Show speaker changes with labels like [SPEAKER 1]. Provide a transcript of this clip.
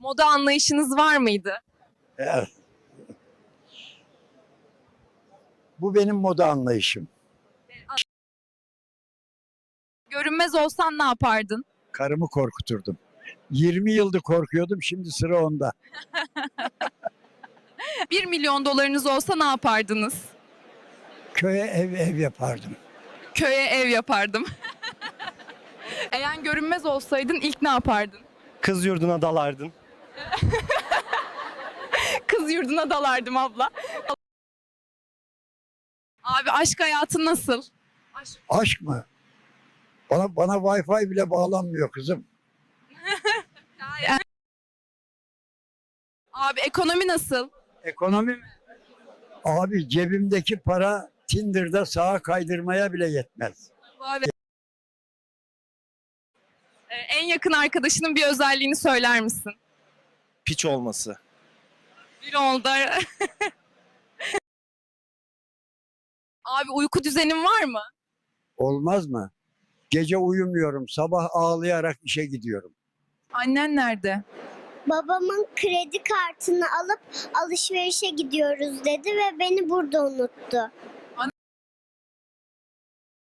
[SPEAKER 1] Moda anlayışınız var mıydı?
[SPEAKER 2] Evet. Bu benim moda anlayışım.
[SPEAKER 1] Görünmez olsan ne yapardın?
[SPEAKER 2] Karımı korkuturdum. 20 yıldır korkuyordum, şimdi sıra onda.
[SPEAKER 1] 1 milyon dolarınız olsa ne yapardınız?
[SPEAKER 2] Köye ev yapardım.
[SPEAKER 1] Köye ev yapardım. Eğer görünmez olsaydın ilk ne yapardın?
[SPEAKER 3] Kız yurduna dalardın.
[SPEAKER 1] Kız yurduna dalardım abla. Abi aşk hayatı nasıl?
[SPEAKER 2] Aşk mı? Bana Wi-Fi bile bağlanmıyor kızım.
[SPEAKER 1] Abi ekonomi nasıl?
[SPEAKER 2] Ekonomi mi? Abi cebimdeki para Tinder'da sağa kaydırmaya bile yetmez.
[SPEAKER 1] Abi. En yakın arkadaşının bir özelliğini söyler misin?
[SPEAKER 3] Piç olması.
[SPEAKER 1] Bir oldu. Abi uyku düzenin var mı?
[SPEAKER 2] Olmaz mı? Gece uyumuyorum, sabah ağlayarak işe gidiyorum.
[SPEAKER 1] Annen nerede?
[SPEAKER 4] Babamın kredi kartını alıp alışverişe gidiyoruz dedi ve beni burada unuttu.